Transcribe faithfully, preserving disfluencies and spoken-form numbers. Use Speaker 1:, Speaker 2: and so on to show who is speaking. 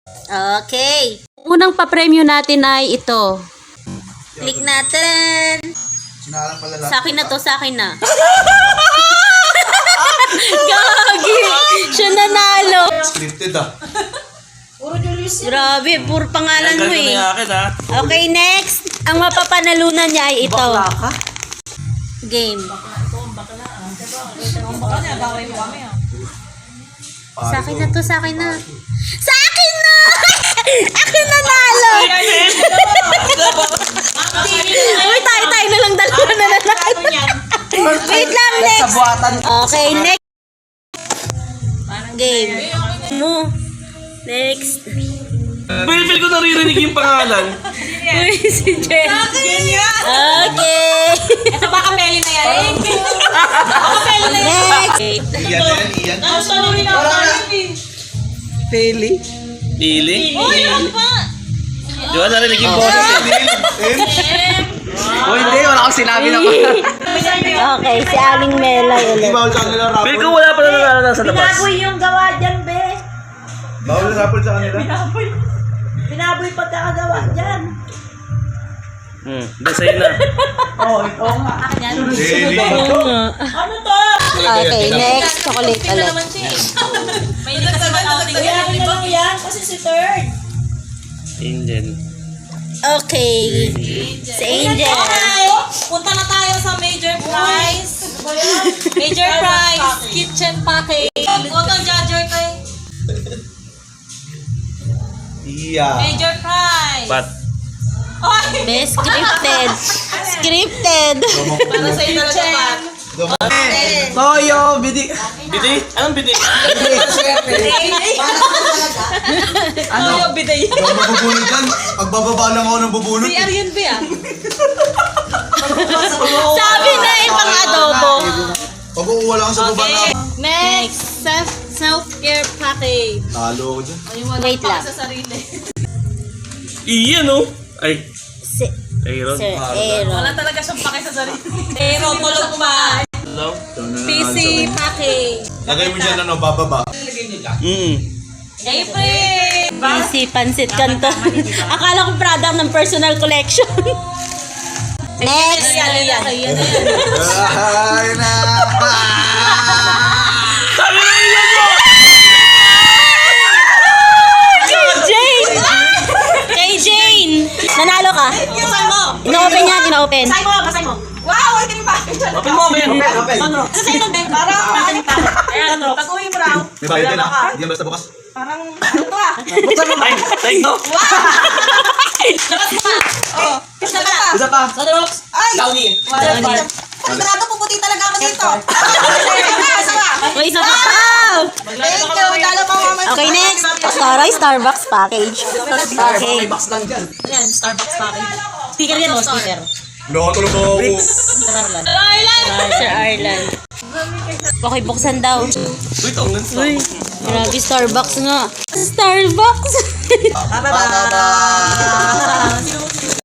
Speaker 1: Okay. Unang pa-premyo natin ay ito. Click natin.
Speaker 2: Sinalang pala lahat.
Speaker 1: Sa akin na to, sa akin na. Gagi! Siya nanalo.
Speaker 2: Scripted ah.
Speaker 1: Grabe, puro pangalan mo eh. Okay, next. Ang mapapanalunan niya ay ito. Game. Sa akin na to, sa akin na. Sa akin na! Akin na nalo! Uy, tayo, tayo na lang dalawa na nanalo. Wait lang, next. Okay, next. Game. Mo. Next.
Speaker 3: Feel ko naririnig yung pangalan.
Speaker 1: Uy, si Jen. Okay.
Speaker 4: Ito ba kapeli na yan? Kapeli na yan.
Speaker 1: Next.
Speaker 2: Iyan na yan, iyan.
Speaker 4: Tanungin ako namin.
Speaker 3: Pili?
Speaker 4: Uy, ano pa?
Speaker 3: Di ba narinig yung boses eh?
Speaker 5: Oh, hindi. Wala akong sinabi na pa.
Speaker 1: Okay, si Aling Melay
Speaker 2: Hindi
Speaker 1: ulit.
Speaker 2: bawal sa kanila rapol.
Speaker 3: Feel ko wala pa na nanalo sa labas.
Speaker 4: Pinaboy yung gawa dyan, be.
Speaker 2: Bawal na rapol sa kanila.
Speaker 4: Pinaboy pagkakagawa dyan.
Speaker 3: Hmm, hindi sa'yo na.
Speaker 2: Daily.
Speaker 4: Ano to?
Speaker 1: Okay, next. Chocolate
Speaker 4: Tingnan
Speaker 1: ulit.
Speaker 4: naman siya. May hindi kasi mag-outing yan, di ba? yan, kasi si third.
Speaker 3: Angel.
Speaker 1: Okay. Si Angel.
Speaker 4: Okay, punta na tayo sa major prize. Major prize, kitchen package. Huwag kang judger kay.
Speaker 2: Iya.
Speaker 4: Major prize.
Speaker 3: Pat.
Speaker 4: Oy!
Speaker 1: Best scripted. Scripted.
Speaker 4: Para sa inyo naman.
Speaker 5: Toyo, bidi.
Speaker 3: Biti? Anong biti?
Speaker 4: Ano yung biday?
Speaker 2: Hindi ako mabubunod yan. Pagbababa lang ako ng bubunod.
Speaker 4: Si Arian ba yan?
Speaker 1: Sabi na ibang adobo.
Speaker 2: Pag uuwa lang sa baba na.
Speaker 4: Next, self self-care package.
Speaker 2: Talo ako dyan.
Speaker 1: Wait lang.
Speaker 4: Sa sarili.
Speaker 3: Iyan oh. Ay,
Speaker 1: Si
Speaker 3: Aaron.
Speaker 1: Sir Aaron.
Speaker 4: Wala talaga siyang pake sa sarili. Pero tulog pa.
Speaker 3: Hello?
Speaker 4: P C package.
Speaker 2: Lagay mo dyan ano, bababa.
Speaker 3: Mm.
Speaker 4: April!
Speaker 1: Easy Pansit Canton. Akala ko product ng personal collection. Next.
Speaker 4: Yan, yan, yan, yan.
Speaker 2: Ay na.
Speaker 3: Sabi na iyan mo!
Speaker 1: Kay Jane! Kay Jane! Nanalo ka.
Speaker 4: Basahin mo!
Speaker 1: Ino-open yan, ino-open.
Speaker 4: Basahin mo, basahin mo. Wow, ito yung package.
Speaker 3: Open mo, men.
Speaker 4: Sandro, basahin mo, Ben. Parang nakanik ka. Ayan, pag-uwi mo raw.
Speaker 2: May bayad din ah. Hindi yan basta bukas.
Speaker 4: Parang, ano to ah?
Speaker 3: Buksan mo. Ay, ay, no.
Speaker 4: Labas mo pa. Oo. Isa pa.
Speaker 5: Isa pa.
Speaker 4: Sandro, ay! Sigurado puputi talaga ako dito. Isa pa.
Speaker 1: O, isa pa. Wow!
Speaker 4: Thank you. Dalo pa mama.
Speaker 1: Okay, next. Taray Starbucks package. Okay.
Speaker 5: May box lang dyan.
Speaker 4: Ayan, Starbucks package. Sticker yan o, sticker.
Speaker 2: Nakatulog ako.
Speaker 1: Sir Arlan. Sir Arlan. Okay, buksan daw.
Speaker 3: Wait, ang lansa.
Speaker 1: Uy, grabe Starbucks nga. Starbucks!